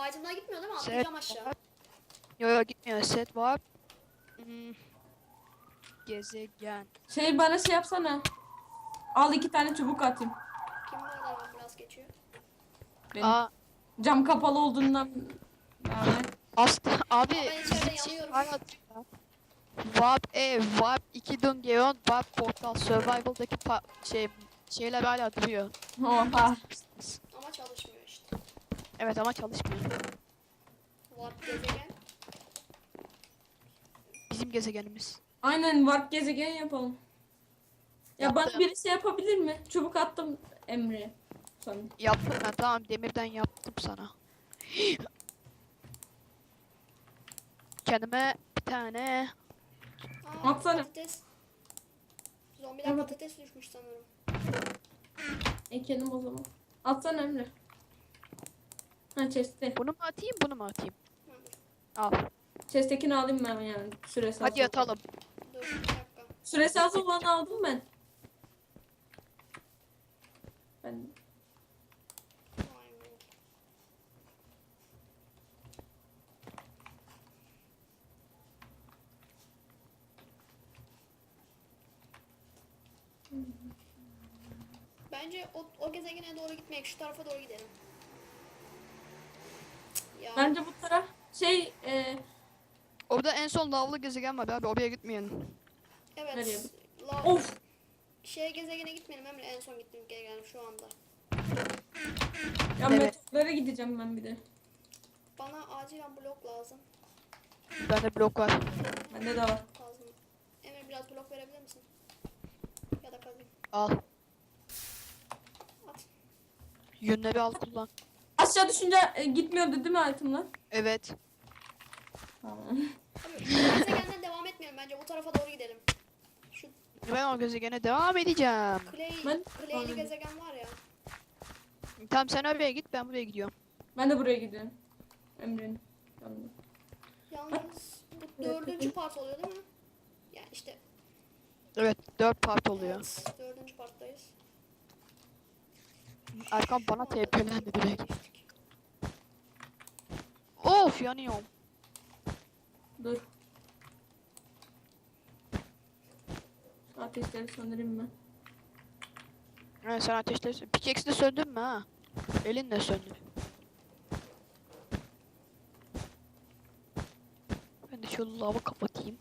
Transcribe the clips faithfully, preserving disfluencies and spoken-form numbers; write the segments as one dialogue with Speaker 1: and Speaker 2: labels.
Speaker 1: Item'lar gitmiyor değil mi?
Speaker 2: Set
Speaker 1: Atlayacağım aşağı.
Speaker 2: var. Yo yo gitmiyor. Set var. Hmm, gezegen.
Speaker 3: Şey bana şey yapsana. Al iki tane çubuk atayım.
Speaker 1: Kim bu kadar ambulans geçiyor?
Speaker 3: Benim.
Speaker 2: Aa
Speaker 3: Cam kapalı olduğundan yani.
Speaker 2: aslında abi
Speaker 1: Aa, ben içeride
Speaker 2: bizim şey
Speaker 1: yanıyorum.
Speaker 2: var ya. Warp E, Warp iki Dungeon, Warp Portal Survival'daki pa- şey şeyler hala duruyor.
Speaker 3: Oha.
Speaker 1: Ama çalışmıyor işte.
Speaker 2: Evet ama çalışmıyor.
Speaker 1: Warp gezegen.
Speaker 2: Bizim gezegenimiz.
Speaker 3: Aynen warp gezegen yapalım. Ya
Speaker 2: Yaptım.
Speaker 3: bana birisi yapabilir mi? Çubuk attım Emre'ye. Sana.
Speaker 2: Yaptım ben, tamam, demirden yaptım sana. Kendime bir tane
Speaker 1: Aa,
Speaker 3: Atsana.
Speaker 1: patates. Zombiler
Speaker 3: Evet.
Speaker 1: patates düşmüş sanırım.
Speaker 3: Ekelim o zaman. Atsana Emre. Ha chest'te.
Speaker 2: bunu mu atayım bunu mu atayım?
Speaker 1: Ha, dur.
Speaker 2: Al.
Speaker 3: Chest'tekini alayım ben yani. Süresi az
Speaker 2: Hadi
Speaker 3: olan.
Speaker 2: yatalım.
Speaker 1: Dur bir dakika.
Speaker 3: Süresi az olanı aldım ben. Ben
Speaker 1: Vay be. Bence o, o gezegene doğru gitmeyek. Şu tarafa doğru gidelim. Cık, Ya.
Speaker 3: bence bu taraf şey e,
Speaker 2: Orada en son lavlı gezegen var abi, oraya gitmeyin.
Speaker 1: Evet.
Speaker 3: Nereye?
Speaker 1: La,
Speaker 3: of
Speaker 1: Şey gezegene gitmeyelim Emre. En son gittiğim gezegen şu anda.
Speaker 3: ya
Speaker 2: Evet.
Speaker 3: meteorlara gideceğim ben bir de.
Speaker 1: Bana acilen blok lazım.
Speaker 2: Bende blok var.
Speaker 3: Bende de var.
Speaker 1: Kazma. Emre biraz blok verebilir misin? Ya da kazayım.
Speaker 2: Al.
Speaker 1: At.
Speaker 2: Yünleri al, kullan.
Speaker 3: Aşağı düşünce e, gitmiyordu değil mi itemler?
Speaker 2: Evet.
Speaker 3: Tamam.
Speaker 1: Abi, gezegenden devam etmeyelim. Bence bu tarafa doğru gidelim. Şu
Speaker 2: Ben o gezegene devam edeceğim.
Speaker 1: Clay,
Speaker 3: Ben-
Speaker 1: Clay'li
Speaker 3: Aynen.
Speaker 1: gezegen var ya.
Speaker 2: Tamam sen oraya git, ben buraya gidiyorum.
Speaker 3: Ben de buraya gidiyorum. Emre'nin yanına.
Speaker 1: Yalnız bu dördüncü part oluyor değil mi? Yani işte
Speaker 2: Evet, dört part oluyor.
Speaker 1: evet, dördüncü parttayız.
Speaker 2: Erkan bana
Speaker 1: Orada
Speaker 2: T P'lendi
Speaker 1: bir
Speaker 2: direkt.
Speaker 1: geçtik.
Speaker 2: Of, yanıyorum.
Speaker 3: Dur. Ateşleri söndüreyim ben.
Speaker 2: Evet, sen ateşleri... Pickaxe'i de söndün mü ha? Elinle söndür. Ben de şu lavı kapatayım.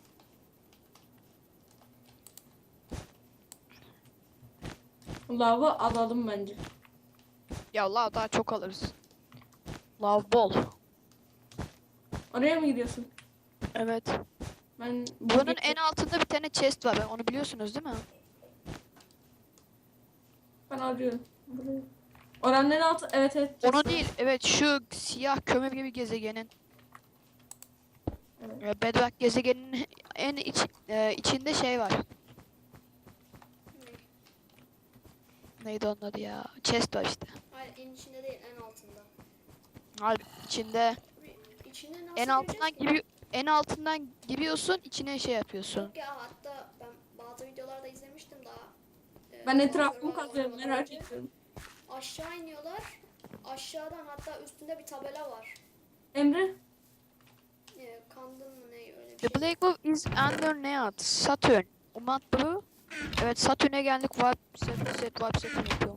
Speaker 3: Lava alalım bence.
Speaker 2: Ya lav daha çok alırız. Lav bol.
Speaker 3: Oraya mı gidiyorsun?
Speaker 2: Evet.
Speaker 3: Ben
Speaker 2: Buranın en altında bir tane chest var. Onu biliyorsunuz değil mi?
Speaker 3: ben arıyorum. Burayı. Oranın en altı evet evet.
Speaker 2: Onu
Speaker 3: chest var.
Speaker 2: değil. Evet, şu siyah kömür gibi gezegenin.
Speaker 3: Evet.
Speaker 2: e, Bedrock gezegeninin en iç, e, içinde şey var. Neydi onun adı ya? Chest var işte.
Speaker 1: Hayır en içinde değil en altında.
Speaker 2: Hayır, içinde.
Speaker 1: Abi, İçine nasıl
Speaker 2: En altından
Speaker 1: gireceğiz ki?
Speaker 2: gibi en altından giriyorsun, içine şey yapıyorsun.
Speaker 1: Yok ya hatta ben bazı videolarda izlemiştim daha. Ee,
Speaker 3: Ben
Speaker 1: bazı
Speaker 3: etrafımı
Speaker 1: videolarda
Speaker 3: kazıyorum
Speaker 1: oynamadan
Speaker 3: merak
Speaker 1: önce.
Speaker 3: ediyorum.
Speaker 1: Aşağı iniyorlar. Aşağıdan hatta üstünde bir tabela var.
Speaker 3: Emre
Speaker 1: Ee, kandın mı ne öyle bir
Speaker 2: The
Speaker 1: şey.
Speaker 2: Black Wolf is under Neat. Saturn. Umat bu. Evet, Satürn'e geldik. Var set set var set yapıyor.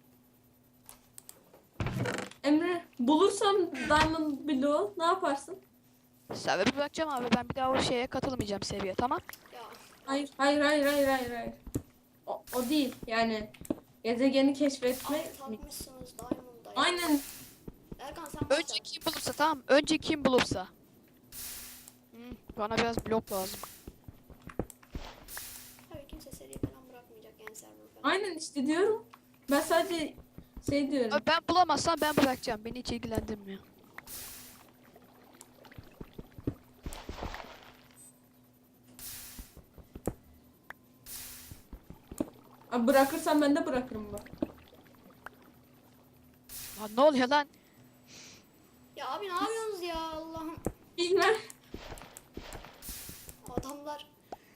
Speaker 3: Emre bulursam Diamond Blue ne yaparsın?
Speaker 2: Sebebi bırakacağım abi. Ben bir daha o şeye katılmayacağım seviye, tamam?
Speaker 1: Ya
Speaker 3: Hayır hayır hayır hayır hayır hayır. O, o değil yani gezegeni keşfetme.
Speaker 1: abi takmışsınız Diamond'da ya.
Speaker 3: Aynen.
Speaker 1: Erkan sen başla.
Speaker 2: Önce kim bulursa, tamam. Önce kim bulursa. Hı, bana biraz blok lazım.
Speaker 1: Tabii kimse seri falan bırakmayacak yani server falan.
Speaker 3: Aynen işte diyorum. Ben sadece şey diyorum.
Speaker 2: Abi ben bulamazsam ben bırakacağım. Beni hiç ilgilendirmiyor.
Speaker 3: Abi bırakırsam ben de bırakırım bak.
Speaker 2: Lan ne oluyor lan?
Speaker 1: Ya abi ne yapıyorsunuz ya Allah'ım.
Speaker 3: Bilmem.
Speaker 1: Adamlar.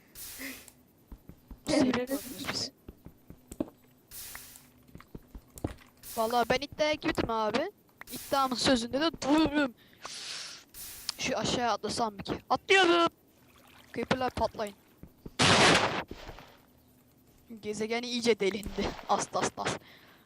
Speaker 2: Seni
Speaker 3: Emre.
Speaker 2: koruyoruz biz. Vallahi ben iddiaya girdim abi. İddiamın sözünde de dururum. Şu aşağıya atlasam mı ki? Atlıyorum. Creeper'lar patlayın. Gezegen iyice delindi. As as as.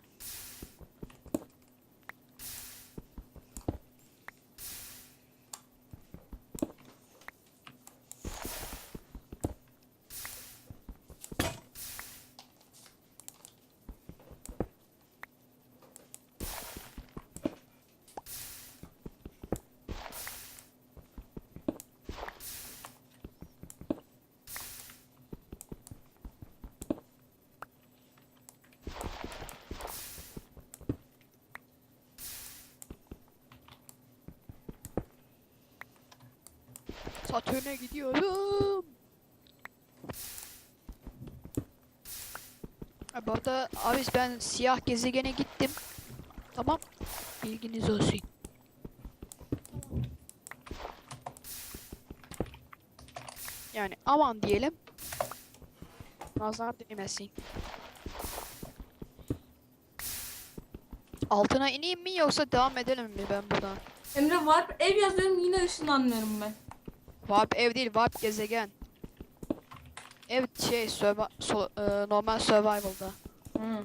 Speaker 2: Satürn'e gidiyorum. Ha, bu arada abi ben siyah gezegene gittim. Tamam. Bilginiz olsun. Yani aman diyelim. Nazar değmesin. Altına ineyim mi yoksa devam edelim mi ben buradan?
Speaker 3: Emre var ev yazıyorum yine ışınlanmıyorum ben.
Speaker 2: Warp ev değil, warp gezegen. Ev şey survi- so- e, normal survival'da.
Speaker 3: Hı.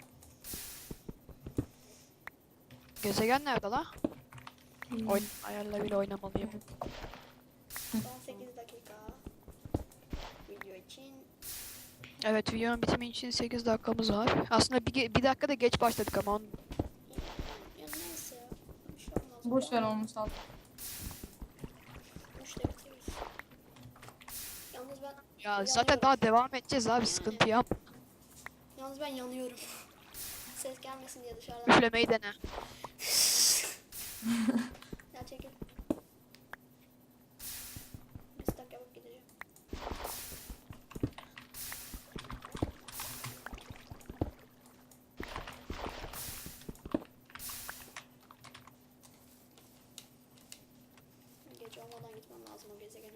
Speaker 2: Gezegen nerede la? Oyun ayarlarıyla oynamalıyım.
Speaker 1: on sekiz dakika. Video için.
Speaker 2: Evet, videonun bitimi için sekiz dakikamız var. Aslında bir, ge- bir dakika da geç başladık ama onun...
Speaker 1: Ya neyse ya. Bir şey olmaz.
Speaker 3: Boş ver olmuş al.
Speaker 1: Üçte bitiririz. Yalnız ben
Speaker 2: Ya zaten
Speaker 1: yanıyorum.
Speaker 2: daha devam edeceğiz abi, sıkıntı yap.
Speaker 1: Yalnız ben yanıyorum. Ses gelmesin diye dışarıdan.
Speaker 2: Üflemeyi dene.
Speaker 1: Ya çekil. Bir stak yapıp gideceğim. Gece olmadan gitmem lazım o gezegene.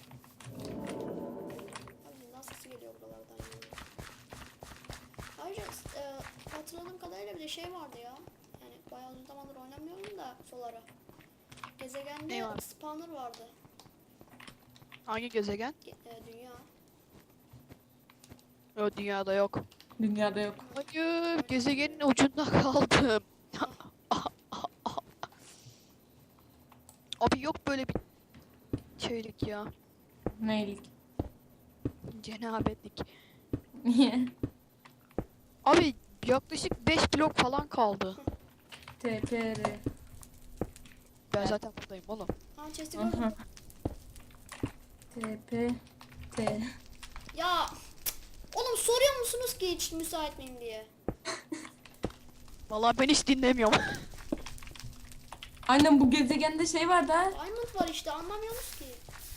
Speaker 1: Abi zindan sesi geliyor buralardan ya. Ayrıca e, hatırladığım kadarıyla bir de şey vardı ya. Yani bayağı uzun zamandır oynamıyorum da Solar'a. Gezegende
Speaker 2: Ne var?
Speaker 1: spawner vardı.
Speaker 2: Hangi gezegen?
Speaker 1: Ge- e, dünya.
Speaker 2: O dünyada yok.
Speaker 3: Dünyada yok.
Speaker 2: Hayır, gezegenin ucunda kaldım. Abi yok böyle bir şeylik ya.
Speaker 3: Neylik?
Speaker 2: Cenabetlik.
Speaker 3: Niye?
Speaker 2: Abi yaklaşık beş blok falan kaldı.
Speaker 3: T T R.
Speaker 2: Ben zaten buradayım oğlum.
Speaker 1: Ha chest'i gördüm.
Speaker 3: Aha. T P T.
Speaker 1: Ya oğlum soruyor musunuz ki hiç müsait miyim diye?
Speaker 2: Vallahi ben hiç dinlemiyorum.
Speaker 3: Aynen bu gezegende şey vardı ha.
Speaker 1: Diamond var işte anlamıyorsunuz ki.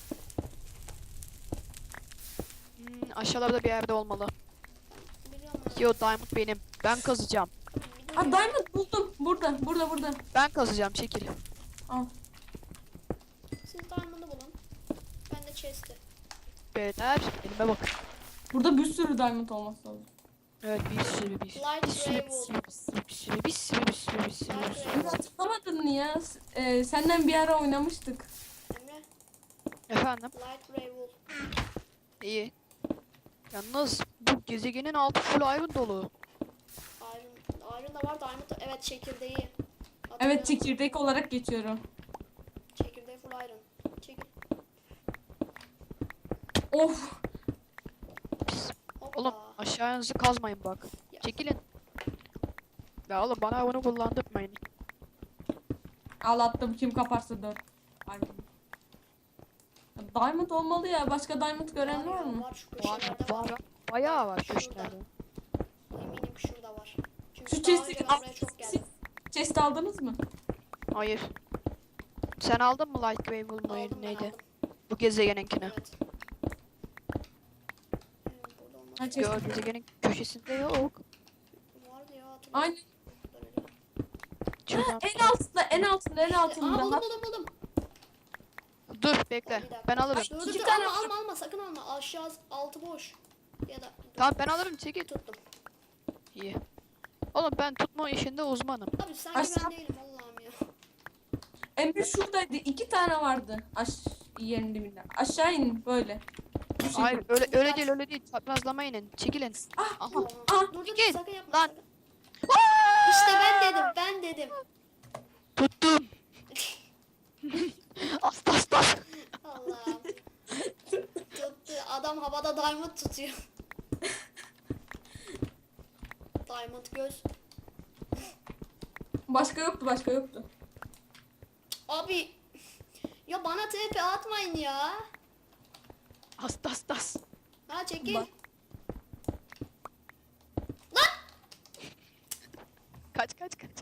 Speaker 2: Hmm, aşağılarda bir yerde olmalı.
Speaker 1: Biliyorum
Speaker 2: Yo, diamond benim. Ben kazacağım.
Speaker 1: ben.
Speaker 3: Aa diamond buldum. Burada burada burada.
Speaker 2: Ben kazacağım, çekil.
Speaker 3: Al.
Speaker 1: Siz diamond'ı bulun. Ben de chest'i.
Speaker 2: Beyler elime bakın.
Speaker 3: Burada bir sürü diamond olması lazım.
Speaker 2: Evet, bir sürü bir sürü
Speaker 1: Light
Speaker 2: bir sürü
Speaker 1: gray
Speaker 2: bir sürü bir sürü bir sürü bir sürü bir sürü bir sürü.
Speaker 3: Emre hatırlamadın mı ya? S- Ee, senden bir ara oynamıştık.
Speaker 1: Emre.
Speaker 2: Efendim?
Speaker 1: Light gray wool.
Speaker 2: İyi. Yalnız bu gezegenin altı full iron dolu.
Speaker 1: Iron, iron da var diamond da. Evet çekirdeği.
Speaker 3: Evet
Speaker 1: Hatırlıyorum.
Speaker 3: çekirdek olarak geçiyorum.
Speaker 1: Çekirdeği full iron. Çekil.
Speaker 3: Of.
Speaker 1: Hoppa.
Speaker 2: Oğlum aşağınızı kazmayın bak.
Speaker 1: Ya.
Speaker 2: Çekilin. Ya oğlum bana bunu kullandırmayın.
Speaker 3: Al attım kim kaparsa dört. Ay. Diamond olmalı ya. Başka diamond gören var
Speaker 1: ya,
Speaker 3: mı?
Speaker 1: Var şu
Speaker 2: Var,
Speaker 1: köşelerde var.
Speaker 2: var. Bayağı var
Speaker 1: Şurada.
Speaker 2: köşklerde.
Speaker 1: Eminim ki şurada var. Çünkü
Speaker 3: Şu
Speaker 1: daha
Speaker 3: chest'i
Speaker 1: önce ben buraya çok geldim.
Speaker 3: chest aldınız mı?
Speaker 2: Hayır. Sen aldın mı Light Grey Wool mu
Speaker 1: Aldım ben
Speaker 2: neydi?
Speaker 1: aldım.
Speaker 2: Bu gezegeninkini.
Speaker 1: Evet. Hmm, burada olmaz.
Speaker 3: Ha, chest.
Speaker 2: Yo, gezegenin köşesinde yok.
Speaker 1: Vardı ya hatırlıyorum.
Speaker 3: Aynen.
Speaker 2: Şuradan-
Speaker 3: En altında, en altında, en
Speaker 1: Aa
Speaker 3: altında.
Speaker 1: buldum buldum buldum.
Speaker 2: Dur
Speaker 1: Bir
Speaker 2: bekle.
Speaker 1: dakika.
Speaker 2: Ben alırım.
Speaker 1: Dur dur
Speaker 3: İki
Speaker 1: dur
Speaker 3: tane
Speaker 1: alma
Speaker 3: var.
Speaker 1: alma alma sakın alma. Aşağı altı boş. Ya da dur,
Speaker 2: Tamam ben alırım, çekil.
Speaker 1: tuttum.
Speaker 2: İyi. Oğlum ben tutma işinde uzmanım.
Speaker 1: Abi sanki
Speaker 3: Aşağı-
Speaker 1: ben değilim Allah'ım ya.
Speaker 3: Emre şuradaydı. İki tane vardı. Aş yerin dibinden. Aşağı in böyle. Bu şekilde.
Speaker 2: Hayır öyle öyle değil öyle değil. Çaprazlama inin. Çekilin.
Speaker 3: Ah,
Speaker 2: Aha.
Speaker 1: Dur
Speaker 3: ah,
Speaker 1: dur dur
Speaker 2: gel.
Speaker 1: sakın yapma.
Speaker 2: Lan.
Speaker 1: Sakın. İşte ben dedim ben dedim.
Speaker 2: Tuttum. Asta asta.
Speaker 1: Allah'ım. Tuttu. Adam havada diamond tutuyor. Diamond göz.
Speaker 3: Başka yoktu, başka yoktu.
Speaker 1: Abi. Ya bana T P atmayın ya.
Speaker 2: Asta asta.
Speaker 1: Ha çekil.
Speaker 2: Bak.
Speaker 1: Lan.
Speaker 2: Kaç kaç kaç.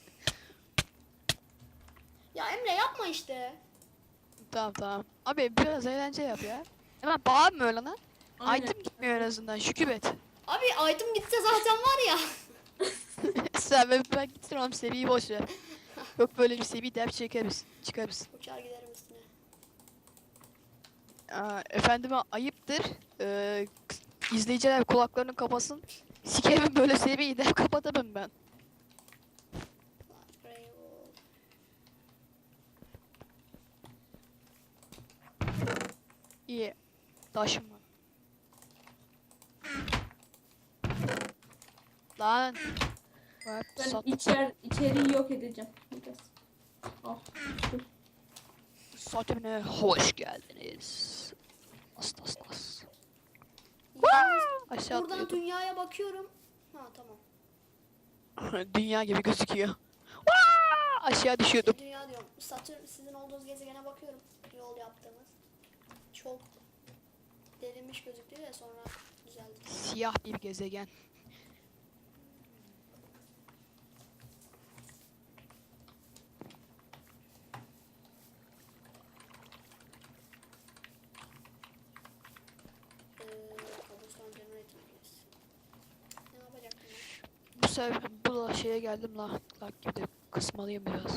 Speaker 1: Ya Emre yapma işte.
Speaker 2: Tamam tamam. Abi biraz eğlence yap ya. Hemen bağırma öyle lan.
Speaker 3: Aynen.
Speaker 2: Item gitmiyor en azından. Şükür et.
Speaker 1: Abi item gitse zaten var ya.
Speaker 2: Sen ben, ben gitsin oğlum seviyeyi boş ver. Yok böyle bir seviye ders çekeriz. Çıkarız.
Speaker 1: Uçar giderim üstüne.
Speaker 2: Aa, efendime ayıptır. Ee, izleyiciler kulaklarını kapasın. Sikerim böyle seviyeyi de kapatamam ben. İyi. Taşım var. Lan. Bak,
Speaker 3: Ben
Speaker 2: sat.
Speaker 3: içer, içeriği yok edeceğim. Biraz. Oh. dur.
Speaker 2: Satürn'e hoş geldiniz. As as as.
Speaker 1: Yalnız
Speaker 2: Aşağı
Speaker 1: buradan
Speaker 2: atlıyordum.
Speaker 1: dünyaya bakıyorum. Ha tamam.
Speaker 2: Dünya gibi gözüküyor. Vaa! Aşağı düşüyordum.
Speaker 1: Dünya diyorum. Satürn sizin olduğunuz gezegene bakıyorum. Yol yaptığımız. Çok delinmiş gözüktü ya sonra düzeldi.
Speaker 2: Siyah bir gezegen.
Speaker 1: Ee, cobblestone generator yes. Ne yapacaktım ben?
Speaker 2: Bu sefer bu da şeye geldim la. La gibi de kısmalıyım biraz.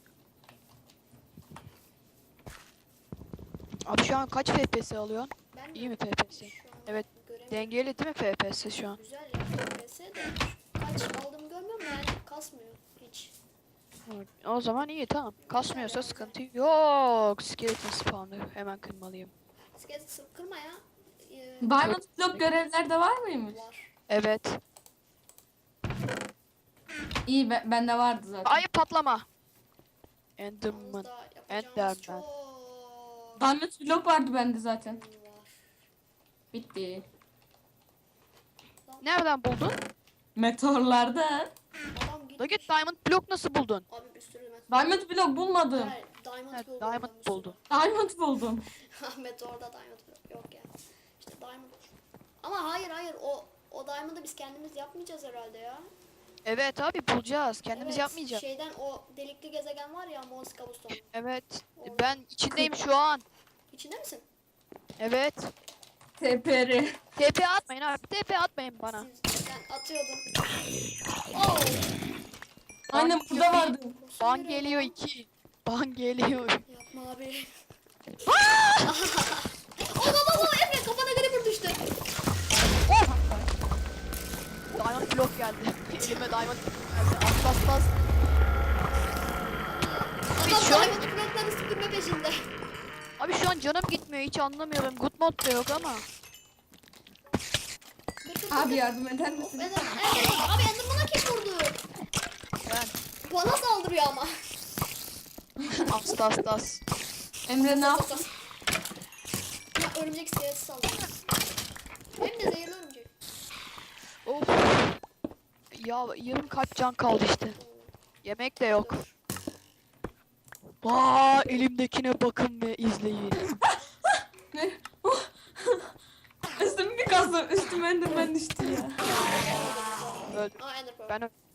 Speaker 2: Abi şu an kaç F P S alıyorsun?
Speaker 1: Ben
Speaker 2: İyi
Speaker 1: mi?
Speaker 2: mi F P S?
Speaker 1: Şu an
Speaker 2: Evet.
Speaker 1: göremiyorum.
Speaker 2: Dengeli değil mi F P S şu an?
Speaker 1: Güzel ya F P S de kaç aldığımı görmüyorum da yani kasmıyor hiç.
Speaker 2: Evet, o zaman iyi tamam. Kasmıyorsa sıkıntı yok. Skeleton spawner hemen kırmalıyım.
Speaker 1: Skelet sırf kırma ya. Ee,
Speaker 3: Diamond Block görevlerde var mıymış?
Speaker 1: var.
Speaker 2: Evet.
Speaker 3: İyi be, bende vardı zaten.
Speaker 2: Ay patlama.
Speaker 1: Yalnız
Speaker 2: Enderman.
Speaker 1: da yapacağımız
Speaker 2: Enderman.
Speaker 1: çok
Speaker 3: Diamond Block vardı bende zaten.
Speaker 1: var.
Speaker 3: Bitti.
Speaker 2: Nereden buldun?
Speaker 3: Meteorlarda.
Speaker 1: Adam
Speaker 2: Da
Speaker 1: gitmiş.
Speaker 2: git Diamond Block nasıl buldun?
Speaker 1: Abi bir sürü met.
Speaker 3: Diamond Block bulmadım.
Speaker 1: Hayır, Diamond
Speaker 2: Evet,
Speaker 1: Block
Speaker 2: Diamond
Speaker 1: bulmuş.
Speaker 2: buldun.
Speaker 3: Diamond buldum.
Speaker 1: Ahmet orada Diamond Block yok ya. İşte Diamond. Ama hayır hayır o o Diamond'ı biz kendimiz yapmayacağız herhalde ya.
Speaker 2: Evet abi bulacağız. Kendimiz
Speaker 1: Evet,
Speaker 2: yapmayacağız.
Speaker 1: Şeyden o delikli gezegen var ya Mons Kabuston.
Speaker 2: Evet.
Speaker 1: Orada.
Speaker 2: Ben içindeyim şu an.
Speaker 1: İçinde misin?
Speaker 2: Evet.
Speaker 3: T P R.
Speaker 2: T P atmayın abi. T P atmayın bana.
Speaker 1: Siz, ben atıyordum. Oh!
Speaker 3: Aynen burada vardı.
Speaker 2: Ban geliyor iki. Ban geliyor.
Speaker 1: Yapma abi. Oh baba baba Emre kafana creeper düştü.
Speaker 2: Diamond Block geldi. Elime Diamond Block geldi. Atlas atlas. Abi
Speaker 1: Adam
Speaker 2: şu an,
Speaker 1: Diamond blokları süpürme peşinde.
Speaker 2: abi şu an canım gitmiyor. Hiç anlamıyorum. Good mod da yok ama.
Speaker 1: Dur, dur, dur,
Speaker 3: Abi
Speaker 1: dur.
Speaker 3: yardım eder
Speaker 1: Of,
Speaker 3: misin?
Speaker 1: Ender, Ender, abi Enderman'a kim vurdu?
Speaker 2: Ben.
Speaker 1: Bana saldırıyor ama.
Speaker 2: Astas astas.
Speaker 3: Emre ne yaptın?
Speaker 1: Ya örümcek iskeleti saldırıyor. Hem de zehirli örümcek.
Speaker 2: Of. Ya yarım kalp can kaldı işte. Yemek de yok.
Speaker 1: Dur.
Speaker 2: Vaa elimdekine bakın ve izleyin.
Speaker 3: Ne? Üstüm bir kazdım. Üstüm Enderman düştü ya.
Speaker 2: Öldüm.
Speaker 1: Aa Ender Pearl.
Speaker 2: Ben ö-